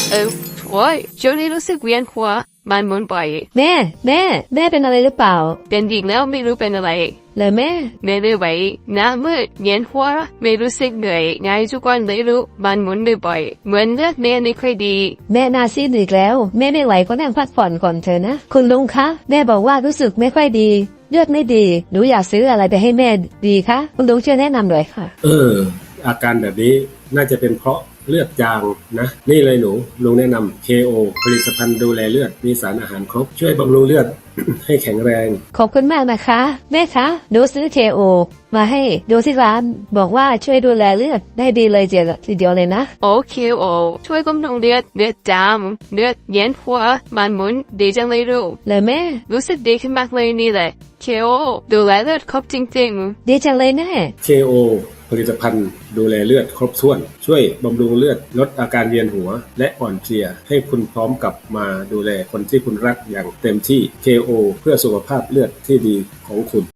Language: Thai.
โอ้ยช่วงนี้รู้สึกเวียนหัวมันหมุนบ่อยแม่เป็นอะไรหรือเปล่าเป็นอีกแล้วไม่รู้เป็นอะไรเลยแม่ไม่รู้ไหวหน้ามืดเวียนหัวไม่รู้สึกเหนื่อยไงทุกวันเลยรู้มันหมุนบ่อยเหมือนเลือดแม่ไม่ค่อยดีแม่นาซีดอีกแล้วแม่ไม่ไหวก็นั่งพักผ่อนก่อนเถอะนะคุณลุงคะแม่บอกว่ารู้สึกไม่ค่อยดีเลือดไม่ดีหนูอยากซื้ออะไรไปให้แม่ดีคะคุณลุงช่วยแนะนำหน่อยค่ะอาการแบบนี้น่าจะเป็นเพราะเลือดจางนะนี่เลยหนูลุงแนะนำ KO ผลิตภัณฑ์ดูแลเลือดมีสารอาหารครบช่วยบำรุงเลือด ให้แข็งแรงขอบคุณมากนะคะแม่คะหนูซื้อ KO มาให้ดูที่ร้านบอกว่าช่วยดูแลเลือดได้ดีเลยทีเดียวเลยนะโอเคโอช่วยบำรุงเลือดจามเลือดเวียนหัวมันหมุนดีจังเลยรู้เลยแม่รู้สึกดีขึ้นมากเลยนี่แหละKO ดูแลเลือดครบจริงๆดีจังเลยแน่ KO ผลิตภัณฑ์ดูแลเลือดครบถ้วนช่วยบำรุงเลือดลดอาการเวียนหัวและอ่อนเพลียให้คุณพร้อมกลับมาดูแลคนที่คุณรักอย่างเต็มที่ KO เพื่อสุขภาพเลือดที่ดีของคุณ